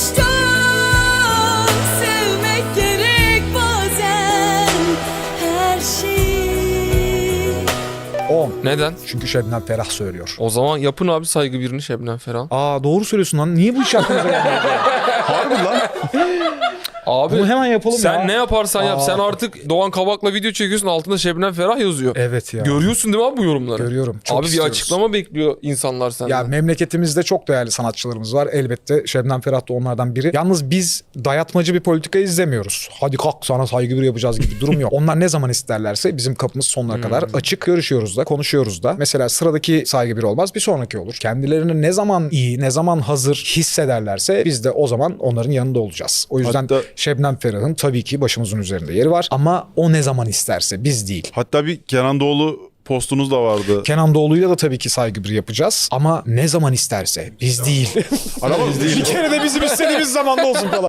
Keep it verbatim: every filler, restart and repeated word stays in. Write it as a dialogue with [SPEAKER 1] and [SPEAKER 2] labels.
[SPEAKER 1] Aşktan sevmek gerek bazen her şeyi.
[SPEAKER 2] on.
[SPEAKER 3] Neden?
[SPEAKER 2] Çünkü Şebnem Ferah söylüyor.
[SPEAKER 3] O zaman yapın abi saygı birini Şebnem Ferah.
[SPEAKER 2] Aa doğru söylüyorsun lan. Niye bu iş aklımıza gelmedi? Harbi lan.
[SPEAKER 3] Abi
[SPEAKER 2] Bunu hemen yapalım
[SPEAKER 3] sen
[SPEAKER 2] ya.
[SPEAKER 3] ne yaparsan yap.
[SPEAKER 2] Aa.
[SPEAKER 3] Sen artık Doğan Kabak'la video çekiyorsun, altında Şebnem Ferah yazıyor.
[SPEAKER 2] Evet ya.
[SPEAKER 3] Görüyorsun değil mi abi bu yorumları?
[SPEAKER 2] Görüyorum. Çok
[SPEAKER 3] abi
[SPEAKER 2] istiyoruz.
[SPEAKER 3] bir açıklama bekliyor insanlar senden.
[SPEAKER 2] Ya memleketimizde çok değerli sanatçılarımız var. Elbette Şebnem Ferah da onlardan biri. Yalnız biz dayatmacı bir politika izlemiyoruz. Hadi kalk sana saygı bir yapacağız gibi durum yok. Onlar ne zaman isterlerse bizim kapımız sonuna kadar açık. Görüşüyoruz da, konuşuyoruz da. Mesela sıradaki saygı bir olmaz, bir sonraki olur. Kendilerini ne zaman iyi, ne zaman hazır hissederlerse biz de o zaman onların yanında olacağız. O yüzden
[SPEAKER 4] Hatta-
[SPEAKER 2] Şebnem Ferah'ın tabii ki başımızın üzerinde yeri var. Ama o ne zaman isterse, biz değil.
[SPEAKER 4] Hatta bir Kenan Doğulu postunuz da vardı.
[SPEAKER 2] Kenan Doğulu'yla da tabii ki saygı bir yapacağız. Ama ne zaman isterse, biz değil.
[SPEAKER 4] Ama biz değil.
[SPEAKER 2] Bir kere de bizim istediğimiz zamanda olsun falan.